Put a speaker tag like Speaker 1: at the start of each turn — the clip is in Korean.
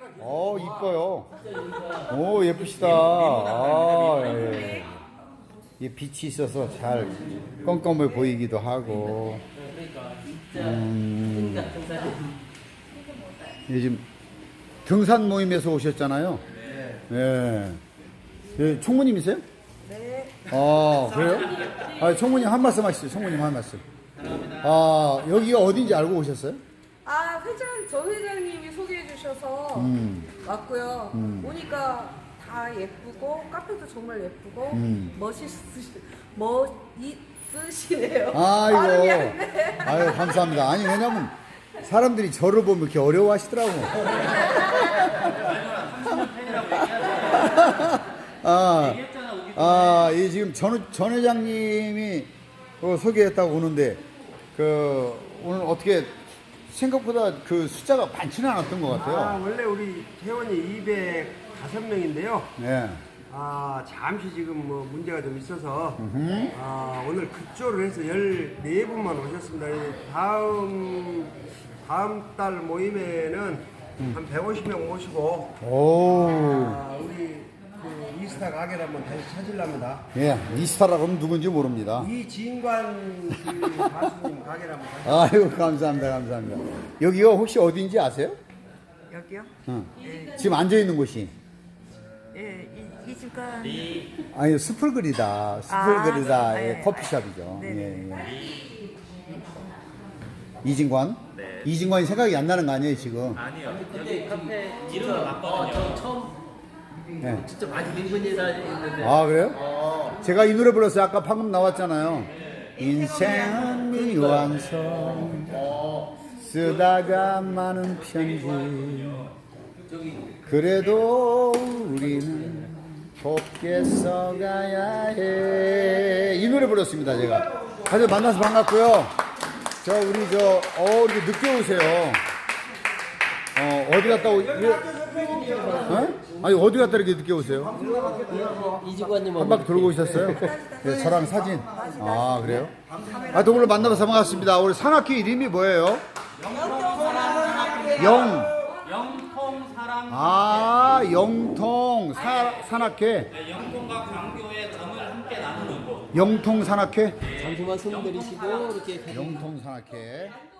Speaker 1: 이뻐요. 오, 예쁘시다. 아, 예. 이 빛이 있어서 잘 껌껌해 보이기도 하고. 요즘 등산 모임에서 오셨잖아요. 예. 예, 총무님이세요?
Speaker 2: 네.
Speaker 1: 그래요? 총무님 한 말씀 하시죠. 총무님 한 말씀. 여기가 어딘지 알고 오셨어요?
Speaker 2: 전 회장님이 소개해 주셔서 왔고요. 오니까 다 예쁘고, 카페도 정말 예쁘고, 멋있으시네요. 발음이 안 돼.
Speaker 1: 아유, 감사합니다. 아니, 왜냐면 사람들이 저를 보면 이렇게 어려워하시더라고. 이 지금 전 회장님이 소개했다고 오는데, 오늘 어떻게 생각보다 그 숫자가 많지는 않았던 것 같아요.
Speaker 3: 원래 우리 회원이 205명인데요.
Speaker 1: 네.
Speaker 3: 잠시 지금 뭐 문제가 좀 있어서 오늘 급조를 해서 14분만 오셨습니다. 다음 달 모임에는 한 150명 모시고 우리 그 이스타 가게를 한번 다시 찾으려합니다.
Speaker 1: 예, 이스타라고 하면 누군지 모릅니다.
Speaker 3: 이진관 그 가수님 가게를 한번 다시.
Speaker 1: 아이고, 감사합니다. 여기가 혹시 어딘지 아세요?
Speaker 2: 여기요?
Speaker 1: 지금 앉아 있는 곳이.
Speaker 2: 이주간.
Speaker 1: 아니, 스풀그리다.
Speaker 2: 네.
Speaker 1: 커피숍이죠.
Speaker 2: 네.
Speaker 1: 이진관?
Speaker 4: 네.
Speaker 1: 이진관이 생각이 안 나는 거 아니에요, 지금?
Speaker 4: 아니요. 여기 카페 이름을 바꿨거든요. 처음
Speaker 1: 네.
Speaker 4: 진짜 많이 늙은이라 했는데.
Speaker 1: 그래요? 제가 이 노래 불렀어요. 아까 방금 나왔잖아요. 인생은 미완성 쓰다가 많은 편지 그래도 우리는 곱게 써가야 해. 이 노래 불렀습니다, 제가. 다들 만나서 반갑고요. 이렇게 늦게 오세요. 어디 갔다 아니, 어디 갔다 이렇게 늦게 오세요?
Speaker 4: 이지관님
Speaker 1: 한 바퀴 돌고 오셨어요? 네, 저랑 사진. 그래요? 오늘 만나서 반갑습니다. 우리 산악회 이름이 뭐예요? 영통 산악회.
Speaker 4: 네, 영통과 광교의 정을 함께 나누는 곳.
Speaker 1: 영통 산악회?
Speaker 4: 잠시만 손 들이시고 이렇게
Speaker 1: 영통 산악회.